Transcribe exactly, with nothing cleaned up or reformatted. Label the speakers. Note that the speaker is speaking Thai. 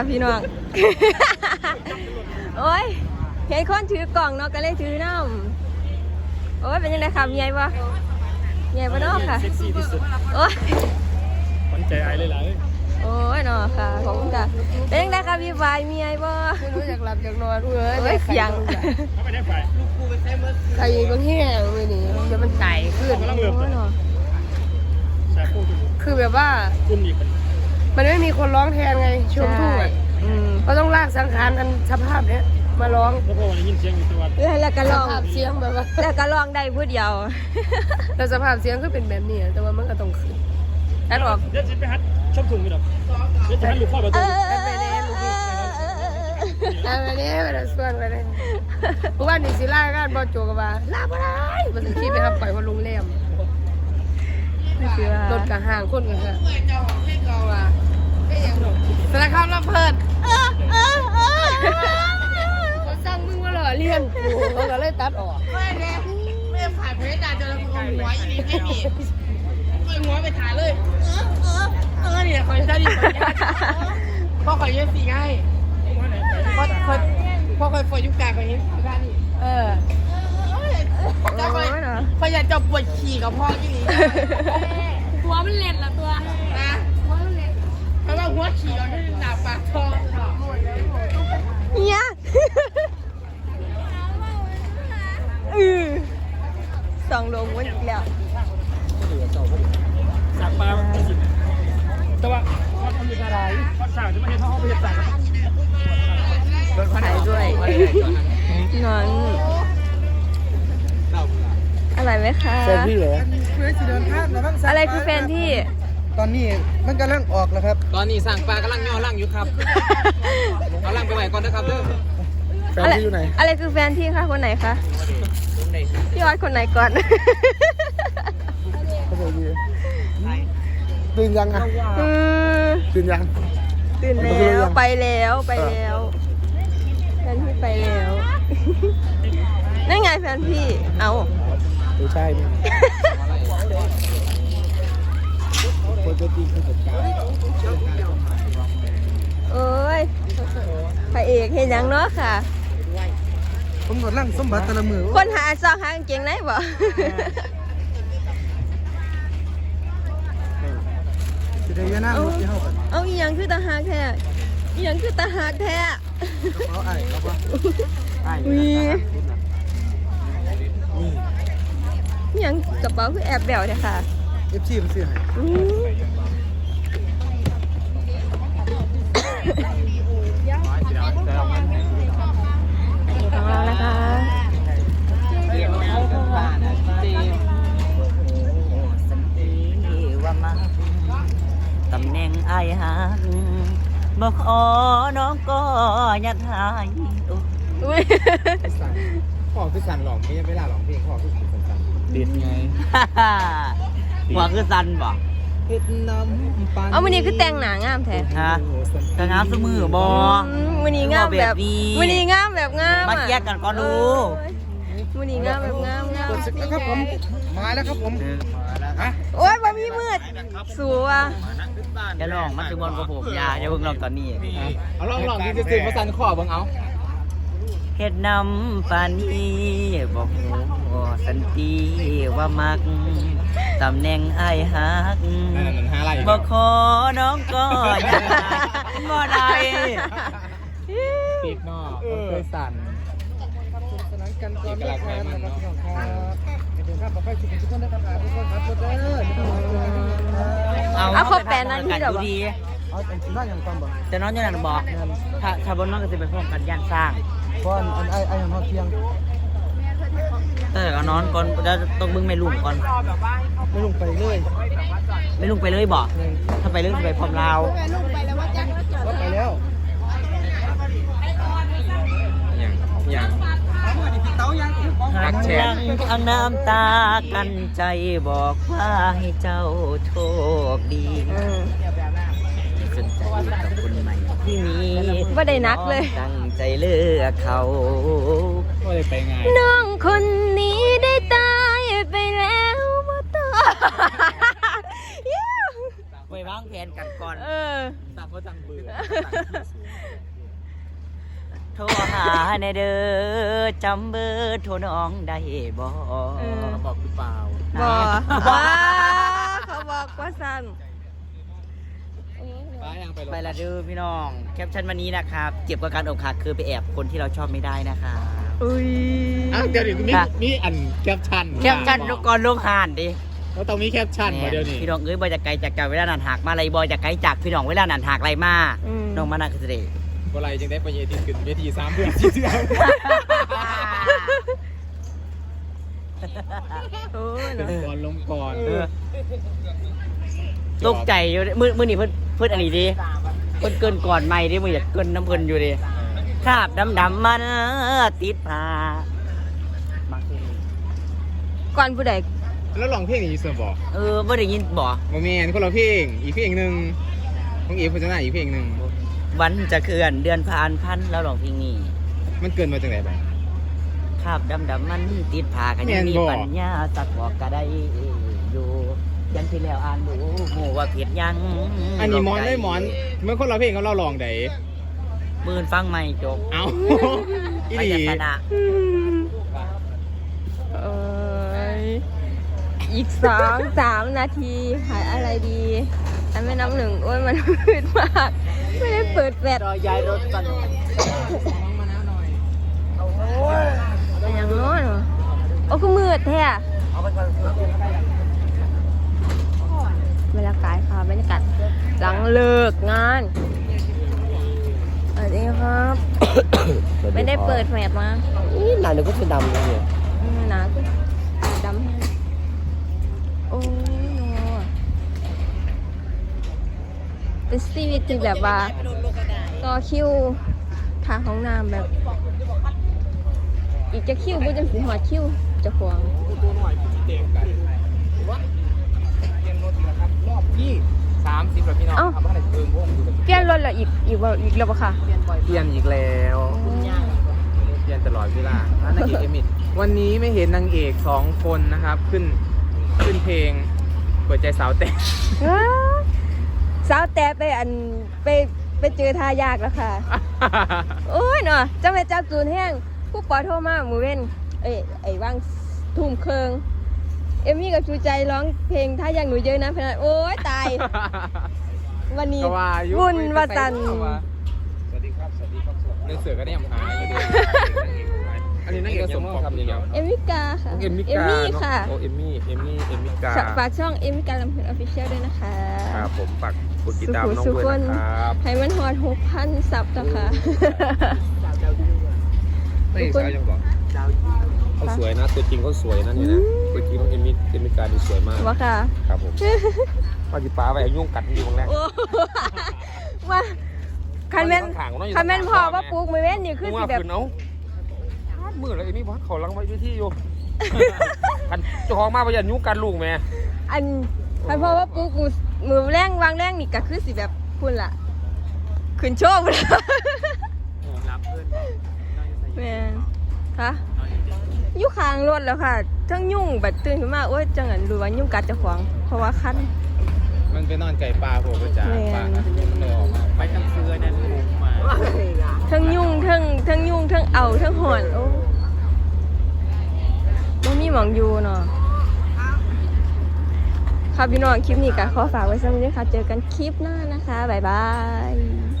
Speaker 1: พี่น้อง โอ้ยเห็นคนถือกล่องเนาะก็เลยถือน้ำโอ้ยเป็นยังไงครับใหญ่ปะใหญ่ปะเนาะค่ะ
Speaker 2: เซ็กซี่ที่สุด
Speaker 1: โอ้ย
Speaker 2: ขวัญใจไอ้เลยล่ะ
Speaker 1: โอ้ยเนาะค่ะขอบคุณค่ะเป็นยังไงครับพี่ฝ่ายมีไอ้บ่
Speaker 3: ไม่รู้อยากหลับอยากนอนเว้ย
Speaker 1: เอ้ยเสียง
Speaker 2: เขาไม่ได้ฝ่ายลูกกูไปใช้เมื่อ
Speaker 3: ใครบางแห้งเลยนี่เดี๋ยวมันไก่ขึ้น
Speaker 2: กำลังเริ่ม
Speaker 1: โอ้ยเนาะ
Speaker 2: แซ่บพูด
Speaker 3: คือแบบว่า
Speaker 2: กุ้มอีกคน
Speaker 3: มันไม่มีคนร้องแทนไงช่วงทุ่งอ่ะ
Speaker 1: อืม
Speaker 3: ก็ต้องลากสังขารกันสภาพเนี้ยมาร้อง
Speaker 2: แล้วพอวันนี้ยินเสียงอยู่ตัว
Speaker 1: แล้วแล้วก็
Speaker 3: ส
Speaker 1: ลอง
Speaker 3: ภาพเสียงแบบว่า
Speaker 1: แล้วก็ลองได้พูดเดียว
Speaker 3: แต่สภาพเสียงก็เป็นแบบนี้แต่ว่ามันก็ต้องขึ้นแอดออก
Speaker 2: เดี๋ยวจะไปฮัดชอบถุงกันหรอกเดี๋ยวจะฮัดลูกข้อประ
Speaker 1: เอ
Speaker 2: ตู
Speaker 1: อ
Speaker 3: ไปเลยลูกพี่เอาไปเลยไปเลยส่วนไปเลยเพราะว่านี่สิล่ากันบอโจกับว่าลาบ่ได้มันสิคิดไปครับปล่อยว่าลุงเล่มรถกระห่างคนกันค่ะสารคามรับเพิดเขาสั่งมึงมาหล่อเลี้ยงกูเขาก็เลยตัดออกไม่เนี่ยไม่ผ่านเพจด่าจนเราเอาหัวอีนี่ไม่มีเอาหัวไปถ่ายเลยเออเออเออเนี่ยคอยได้ดีคอยยากพ่อคอยเย็บสีง่ายพ่อคอยพ่อคอยฟอยยุกกาคอยเย็บสีง่ายนี่เออเจ้าคอยคอยอยากจะปวดขี่กับพ่อที่นี่ตัวมันเล็ดละตัวนะหัวมันเล็ดเพราะว่าหัวขี่เราได้หนาปากทอง
Speaker 1: เนี่ยเออสองลงวันอีกแล้ว
Speaker 2: สักปลาสิแต่ว่าเขาทำอยู่อะไรเขาสั่งจะไม่ให้เขาเอาไปเห็ดสั่ง
Speaker 1: ถ่ายด้วยนอนอะไรไหมคะ
Speaker 4: แฟนพี่เหรอ
Speaker 1: อะไรคือแฟนที่
Speaker 4: ตอนนี้มันกำลังออกแล้วครับ
Speaker 5: ตอนนี้สั่งปลากำลังย่อล่างอยู่ครับ เอาล่างไปไหวก่อนนะครับเด้อ
Speaker 4: แฟน
Speaker 1: อะไร
Speaker 4: พี่อยู่ไหน
Speaker 1: อะไรคือแฟนที่คะคนไหนคะพี่วัดคนไหนก่อน
Speaker 4: เขาบอกดีตื่นยังอ่ะ
Speaker 1: อืม
Speaker 4: ตื่นยัง
Speaker 1: ตื่นแล้วไปแล้วไปแล้วแฟนพี่ไปแล้วนั่นไงแฟนพี่เอา
Speaker 4: ไม่ใช่เนี่ยปกติคือจัดการ
Speaker 1: เอ้ยพระเอกเห็นยังเนาะค่ะ
Speaker 4: ผมกดลั่งสมบัติแต่ละมือ
Speaker 1: คนหาซองหากางเกงไหนบ่
Speaker 4: จะได้ยาหน้ารถที่เข้ากัน
Speaker 1: เอาอีหยังคือตาหากแท้อีหยังคือตาหากแท้
Speaker 4: เขาไอ้เขาปะไอ้
Speaker 1: มี
Speaker 4: นี่
Speaker 1: อีหยังกระเป๋าคือแอบแบวเนี่ยค่ะ
Speaker 4: เอฟซีมันซื้อให้
Speaker 1: อืมของเรานะคะ
Speaker 5: ตำแหน่งไอ้หักบอกอ๋อน้องก็ยัดหาย
Speaker 1: อุ้ย
Speaker 4: พ่อคือสั่นหลอกไม่ยังไม่ล่าหลอกเพลงพ่อคือสั่นสั่น
Speaker 2: เด็ดไง
Speaker 5: หัวคือสันบ่
Speaker 4: เฮ็ดน้ำปัน
Speaker 1: เอาวันนี้คือแต่งหนางามแท้
Speaker 5: ฮะกระงามสมือบ่
Speaker 1: อืมวันนี้งามแบบวันนี้งามแบบงาม
Speaker 5: มา
Speaker 1: อะ
Speaker 5: เทียบกันก่อนดู
Speaker 1: วันนี้งามแบบงามงาม
Speaker 4: กดสิครับผมมาแล้วครับผมฮะ
Speaker 1: โอ๊ยบ่มีมืดสัว
Speaker 5: อย่าลองมันถึงบอลกับผมอย่าอย่าเพิ่งลองตอนนี้
Speaker 4: เอาลองลองที่จะซื้อมาสั่นข้อบังเอา
Speaker 5: เฮ็ดนำปานนี้บอกโอ้สันติว่ามักตำแหน่งไอ้หักบอกขอน้องก็อย่าบ่ได้
Speaker 4: ปีกนอกเคยสั่นสนานกันก่อนนะครับนะครับพี่น้องครับเดี๋ยวครับบอกให้ทุกคนได้ทำงานทุกคนครับทุกคนเด้อ
Speaker 1: เอาครบแปดนาทีเหรอ
Speaker 5: ดูดี
Speaker 4: เอาแต่ที่บ้านยังความบอก
Speaker 5: แต่น้องอยู่นั่นบอกถ้าถ้าบนน้องก็จะไปพร้อมกันย่านสร้าง
Speaker 4: เพราะอันไอ้ไอ้ของเขาเที่ยง
Speaker 5: แต่ก็นอนก่อนจะต้องบึ้งไม่ลุงก่อน
Speaker 4: ไม่ลงไปเลย
Speaker 5: ไม่ลุงไปเลยบอกถ้าไปเรื่องไปพร้อมเรา
Speaker 4: ก็ไปแล้ว
Speaker 5: หักแชงทางน้ำตากันใจบอกว่าให้เจ้าโชคดีสนใจกับคนใหม่ที่มี
Speaker 1: บ่ได้นักเลย
Speaker 5: ตั้งใจเลือกเขา
Speaker 2: ก็เลยไปไง
Speaker 1: น้องคนนี้ได้ตายไปแล้วมาต่อ
Speaker 5: ไปวางแผนกันก่อน
Speaker 1: เออ
Speaker 2: ต่างก็ต่างเบื่อ
Speaker 5: รหาในเด้อจำเบอร์โทรน้องได้บ่
Speaker 1: เออ
Speaker 4: บอกหรือเปล่า
Speaker 1: บอว้าเขาบอกว่าสั้น
Speaker 4: ไปยังไป
Speaker 5: ไปละเด้อพี่น้องแคปชั่นวันนี้นะครับเจ็บกับการอกหักคือไปแอบคนที่เราชอบไม่ได้นะคะ
Speaker 1: อุ้ย
Speaker 4: อ่ะเดี๋ยวนี้มีมีอันแคปชั่น
Speaker 5: แคปชั่นก่อนลงหานดิ
Speaker 4: แล้วต้องมีแคปชั่นมาเดี๋ยวนี้
Speaker 5: พี่น้องเอ้ยบอยจากไกลจากเก่าเวลานันหักมาอะไรบอยจากไกลจากพี่น้องเวลานันหักอะไรมา
Speaker 1: อืม
Speaker 5: น้องมานาคือเสด็จ
Speaker 4: เมื่อไรจึงได้ไปเยติขึ้นเวทีสามเดือนสี่เดือน
Speaker 1: โอ้ยเนอะ
Speaker 4: ก่อนลงก่อน
Speaker 5: ตกใจอยู่ดิมือมือนี่เพิ่นเพิ่นอันนี้ดิเพิ่นเกินก่อนไม่ดิมืออยากเกินน้ำเพิ่นอยู่ดิคราบดำดำๆมันติดผ้ามักเพลง
Speaker 1: ก่อนผู้ใด
Speaker 4: แล้วลองเพลงนี้เสมอบอก
Speaker 5: เออบ่ได้ยินบ่
Speaker 4: โมเมนคนละเพลงอีกเพลงหนึ่งของอีฟพัฒนาอีกเพลงหนึ่ง
Speaker 5: วันจะเคลื่อนเดือนผ่านพันแล้วร้องเพลงนี้
Speaker 4: มันเกินมาจากไหนบ้าง
Speaker 5: คราบดำดำๆมันติดผ้ากันยังมี
Speaker 4: แม่นบ่
Speaker 5: ปัญญาสักบอกก็ได้อยู่ยันที่แล้วอ่านดูหมู่ว่าผิดยัง
Speaker 4: อันนี้หมอนได้หมอนเมื่อคนละเพลงเขาเราลองได
Speaker 5: มื่นฟังไม่จบ
Speaker 4: เอาอี
Speaker 5: ไป
Speaker 4: ดี
Speaker 5: ยันชนะ
Speaker 1: เอ้ยอีกสองสามนาทีขายอะไรดีอันไม่น้ำหนึ่งโอ้ยมันมืดมาก ไม่ได้เปิดแฟลช
Speaker 5: รอยายรถกัน
Speaker 1: แต่ยังน้อยเหรอโอ้คือมืดแท้อะบรรยากาศค่ะบรรยากาศหลังเลิกงานสวัสดีครับ ไม่ได้เปิดแฟลชมา
Speaker 5: นี่หนาหนึ่งก็จะดำเลยเนี่ย
Speaker 1: อืมหนาขึ้นดำให้โอ้ยโนเป็นชีวิตที่แบบว่าต่อคิวทางของน้ำแบบ อีกจะคิวบ่จังสิหอดคิวเจะขวาง
Speaker 4: รอบที่สามสิบแล้วพี่น้องครับว่าอะไรเพิ่มวงอยู่
Speaker 1: เปลี่ยนรถแล้วอีกอีกบ่อีกแล้วปะค่ะ
Speaker 4: เปลี่ยนอีกแล้วเปลี่ยนตลอดเวลานางเอกเอมิดวันนี้ไม่เห็นนางเอกสองคนนะครับ ขึ้นขึ้นเพลงเปิดใจสาวแต่
Speaker 1: ว้าวสาวแต่ไปอันไปไปเจอทายากแล้วค่ะ โอ้ยเนาะจะไปจับจูนแห้งผู้ปอโทรมาหมูเว้นเอ้ยไอ้ว่างทุ่มเคิงเอมมี่กับชูใจร้องเพลงถ้าอย่างหนูเยอะนะพนันโอ้ยตาย วันนี้
Speaker 4: ก็ว่าอยู่
Speaker 1: วุ่นวาจัน
Speaker 4: สวัสดีครับ สวัสดีครับเรื่องเสือก็ได้ยำหายอยู่ดีอันนี้นั่งเอกสมทำยังไง
Speaker 1: เอมิกาค่ะ
Speaker 4: เอมมิกา
Speaker 1: มี่ค่ะ
Speaker 4: โอเอมมี่เอมมี่เอมมิกา
Speaker 1: ฝากช่องเอมิกาลำเพลินออฟฟิเชียลด้วยนะคะ
Speaker 4: ครับผมฝากกดติดตามน้องด้วยนะครับ
Speaker 1: ให้มันฮอดหกพันซับนะคะ
Speaker 4: ไม่ใช่ยังก่อนเขาสวยนะตัวจริงเขาสวยนะนี่นะตัวจริงน้องเอมมี่เอมมิกาดีสวยมาก
Speaker 1: ว่าค่ะ
Speaker 4: ครับผมปาจิป้าไปยุ่งกัดดีบางแรก
Speaker 1: โอ้ว่าคันแม่นคันแม่นพอว่าปลูกไม่เว้นนี่คือสิแบบ
Speaker 4: เอามือแล้วเอมี่พัดเขาลังไว้ที่อยู่คันเจ้าของมาไปยันยุ่งกันลูกแม่
Speaker 1: อันคันพอว่าปลูกมือมือแรงวางแรงนี่ก็คือสิแบบคุณล่ะขึ้นโชคเลย
Speaker 4: รับเพื่อน
Speaker 1: แม่นค่ะอยู่ข้างรถแล้วค่ะทั้งยุ่งแบบตื่นขึ้นมาโอ้ยจังหันรู้ว่ายุ่งกัดเจ้าของเพราะว่าคัน
Speaker 4: มันไปนอนไก่ปลาผมประจาปลามันเลยออกมาไปตั้งเสื้อนั่นลุงมา
Speaker 1: ทั้งยุ่งทั้งทั้งยุ่งทั้งเอาทั้งหอนโอ้บ่มีหมองอยู่เนาะค่ะพี่น้องคลิปนี้ก็ขอฝากไว้สักนิดค่ะเจอกันคลิปหน้านะคะบ๊ายบาย